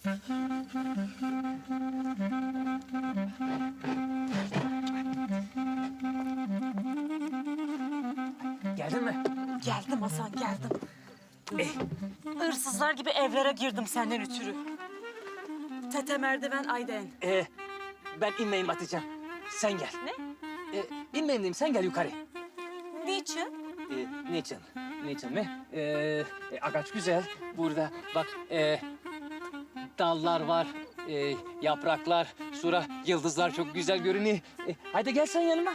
Geldin mi? Geldim Hasan, geldim. Eh, Hırsızlar gibi evlere girdim senden ötürü. Tete merdiven Ayden. ben inmeyeyim Hatice'm. Sen gel. Ne? İnmeyeyim diyeyim, sen gel yukarı. Niçin? Niçin? Niçin mi? Ağaç güzel. Burada bak dallar var, yapraklar, sonra yıldızlar çok güzel görünüyor. Haydi gel sen yanıma.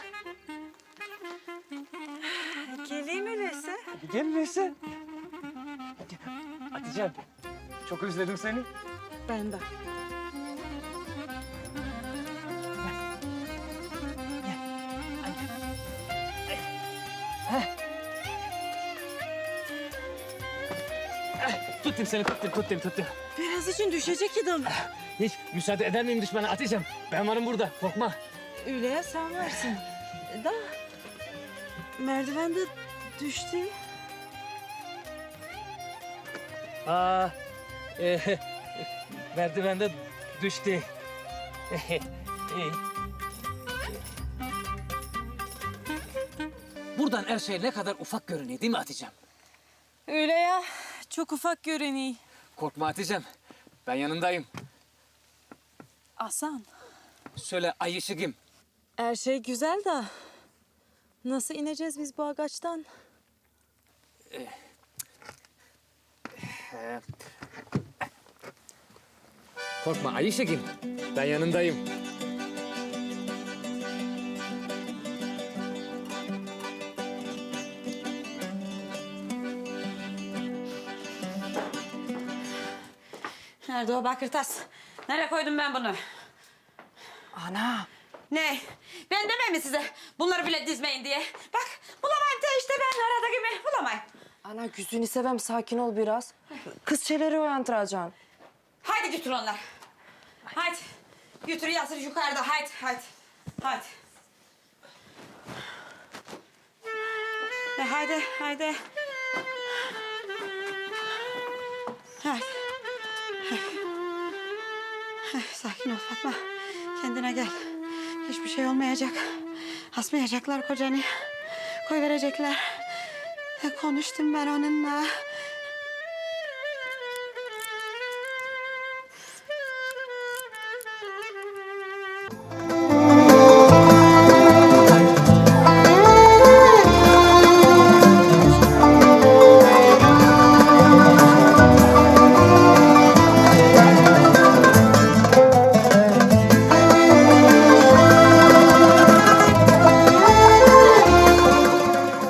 Geleyim öyleyse. Gel öyleyse. Hatice'm, çok özledim seni. Ben de. Tuttum seni, tuttum. Biraz için düşecek idim. Hiç müsaade eder miyim düşmana Hatice'm? Ben varım burada, korkma. Öyle ya sen varsın. Da merdiven de düştü. Aa, merdivende düştü. Buradan her şey ne kadar ufak görünüyor değil mi Hatice'm? Öyle ya. Çok ufak görünüyor. Korkma Hatice'm, ben yanındayım. Hasan, Söyle ay ışıkım. her şey güzel de nasıl ineceğiz biz bu ağaçtan? Korkma ay ışıkım, ben yanındayım. Nerede o bakır tas? Nereye koydum ben bunu? Ana, Ne? Ben demem mi size bunları bile dizmeyin diye? Bak bulamayın da işte ben arada gibi bulamayın. ana gözünü seveyim sakin ol biraz. Kızçeleri uyandıracaksın. Haydi götür onları. Haydi. Götür Yasir yukarıda haydi. Haydi. Haydi. Haydi. Haydi. Sakin ol Fatma. Kendine gel. Hiçbir şey olmayacak. Asmayacaklar kocanı. Koy verecekler. Konuştum ben onunla.